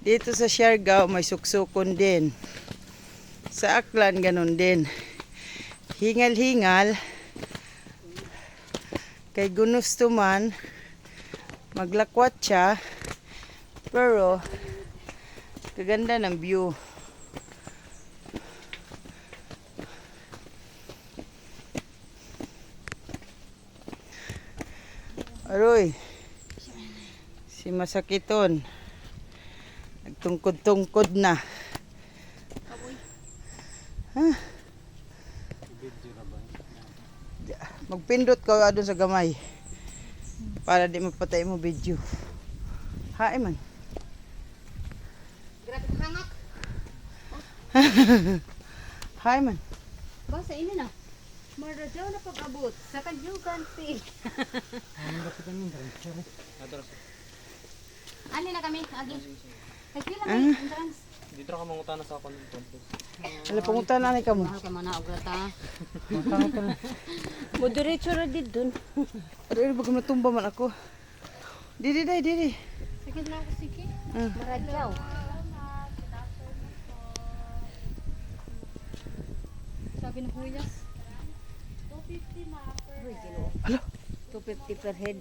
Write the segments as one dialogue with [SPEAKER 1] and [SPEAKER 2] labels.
[SPEAKER 1] Dito sa Siargao may suksukon din. Sa Aklan ganun din. Hingal-hingal. Kay gusto man maglakwat siya. Pero kaganda ng view. Aroy. Si Masakiton. Nagtungkod-tungkod na. Ha? Magpindot ka doon sa gamay. Para di mapatay mo video. Hae man.
[SPEAKER 2] Grabe hangak.
[SPEAKER 1] Hae man.
[SPEAKER 2] Basta ini na. Maradaw na pag-abot sa Kanjugan Field. Ani na kami, agi. Nagpila may entrance.
[SPEAKER 3] Dito ka mangutana sa akong campus.
[SPEAKER 1] Ala pangutan na ni kamo.
[SPEAKER 2] Mahal ka man na ograta.
[SPEAKER 1] Pangutan na.
[SPEAKER 2] Mo diretso ra did dun.
[SPEAKER 1] Aroy baka matumba man ako. Didi dai didi.
[SPEAKER 2] Sige na ako sige. Maradaw. Sabi ng huyas. 250 ma per head.
[SPEAKER 1] Hala.
[SPEAKER 2] 250 per head.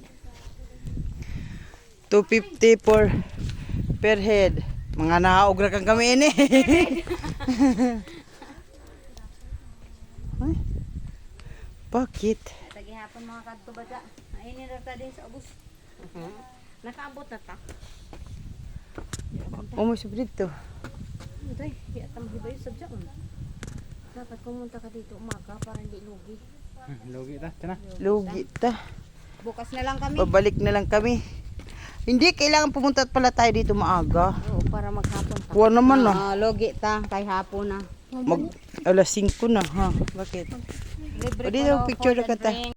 [SPEAKER 1] 250 per head. Mga naogra kang kami ini. Ay. Bakit?
[SPEAKER 2] Tagi hapon mga kadto bata. Ainin ra ta din sa ubos. Nakaabot na ta.
[SPEAKER 1] Umoy sa dito.
[SPEAKER 2] Uday, kaya tamhibay sa dyan. Dapat pumunta ka dito umaga para hindi lugi.
[SPEAKER 3] Logi ta, tana.
[SPEAKER 1] Lugi ta.
[SPEAKER 2] Bukas na lang kami.
[SPEAKER 1] Babalik na lang kami. Hindi kailangan pumunta pala tayo dito maaga.
[SPEAKER 2] Oo, para maghapon pa.
[SPEAKER 1] Kuha naman na.
[SPEAKER 2] Logi ta, kay hapon na.
[SPEAKER 1] Mag alas 5 na ha. Bakit?
[SPEAKER 2] Libre
[SPEAKER 1] O, dito,
[SPEAKER 2] ko,
[SPEAKER 1] picture
[SPEAKER 2] food
[SPEAKER 1] na
[SPEAKER 2] and
[SPEAKER 1] kita.
[SPEAKER 2] drink.